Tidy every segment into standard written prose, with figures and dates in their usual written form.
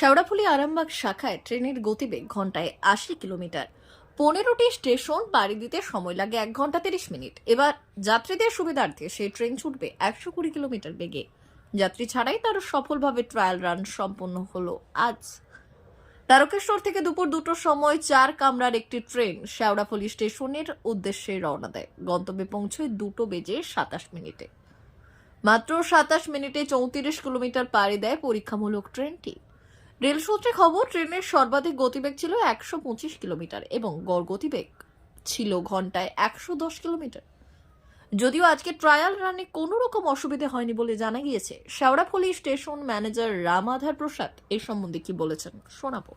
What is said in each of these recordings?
শেওড়াফুলি আরামবাগ শাখায় ট্রেনের গতিবেগ ঘন্টায় ৮০ কিলোমিটার। ১৫টি স্টেশন পাড়ি দিতে সময় লাগে ১ ঘন্টা ৩০ মিনিট। এবার যাত্রীদের সুবিধার্থে সেই ট্রেন ছুটবে ১২০ কিলোমিটার বেগে। যাত্রী ছাড়াই তার সফলভাবে ট্রায়াল রান সম্পন্ন হলো আজ। তারকেশ্বর থেকে দুপুর ২টোর সময় ৪ কামরার একটি ট্রেন শেওড়াফুলি স্টেশনের উদ্দেশ্যে রওনা দেয়। গন্তব্যে পৌঁছয় ২টো বেজে ২৭ মিনিটে। মাত্র ২৭ মিনিটে ৩৪ কিলোমিটার পাড়ি দেয় পরীক্ষামূলক ট্রেনটি। রেল সূত্রে খবর, ট্রেনের সর্বাধিক গতিবেগ ছিল ১২৫ কিলোমিটার এবং গড় গতিবেগ ছিল ঘন্টায় ১১০ কিলোমিটার। যদিও আজকে ট্রায়াল রানে কোনো রকম অসুবিধা হয়নি বলে জানা গিয়েছে। শেওড়াফুলি স্টেশন ম্যানেজার রামাধার প্রসাদ এই সম্বন্ধে কি বলেছেন শোনাবো।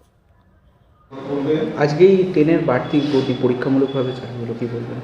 আজকেই ট্রেনের বাড়তি গতি পরীক্ষামূলকভাবে চালু হলো, কি বলবেন?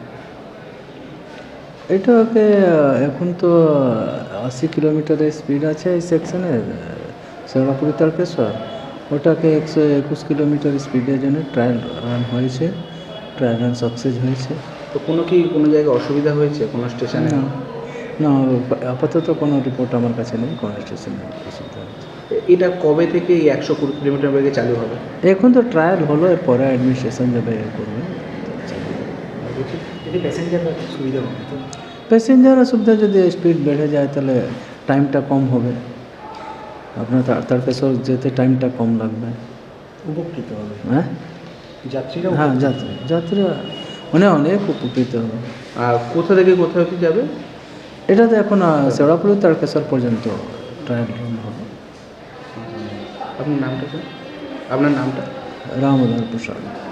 এটাকে এখন তো ৮০ কিলোমিটারের স্পিড আছে এই সেকশনে শেওড়াফুলি তারকেশ্বর। ওটাকে ১২১ কিলোমিটার স্পিডের জন্য ট্রায়াল রান হয়েছে। ট্রায়াল রান সাকসেস হয়েছে। তো কোনো জায়গায় অসুবিধা হয়েছে কোনো স্টেশনে? না না, আপাতত কোনো রিপোর্ট আমার কাছে নেই কোনো স্টেশনে অসুবিধা হয়েছে। এটা কবে থেকে এই ১২০ কিলোমিটার বেগে চালু হবে? এখন তো ট্রায়াল হলো, এরপরে অ্যাডমিনিস্ট্রেশন যাবে করবে। প্যাসেঞ্জাররা সুবিধা হবে তো? প্যাসেঞ্জারের সুবিধা, যদি স্পিড বেড়ে যায় তাহলে টাইমটা কম হবে। আপনার তারকেশ্বর যেতে টাইমটা কম লাগবে। উপকৃত হবে হ্যাঁ যাত্রীরা? হ্যাঁ, যাত্রীরা অনেক উপকৃত হবে। আর কোথা থেকে কোথাও কি যাবে? এটা তো এখন শেওড়াফুলি তারকেশ্বর পর্যন্ত ট্রায়াল রান হবে। আপনার নামটা স্যার? আপনার নামটা? রামদার প্রসাদ।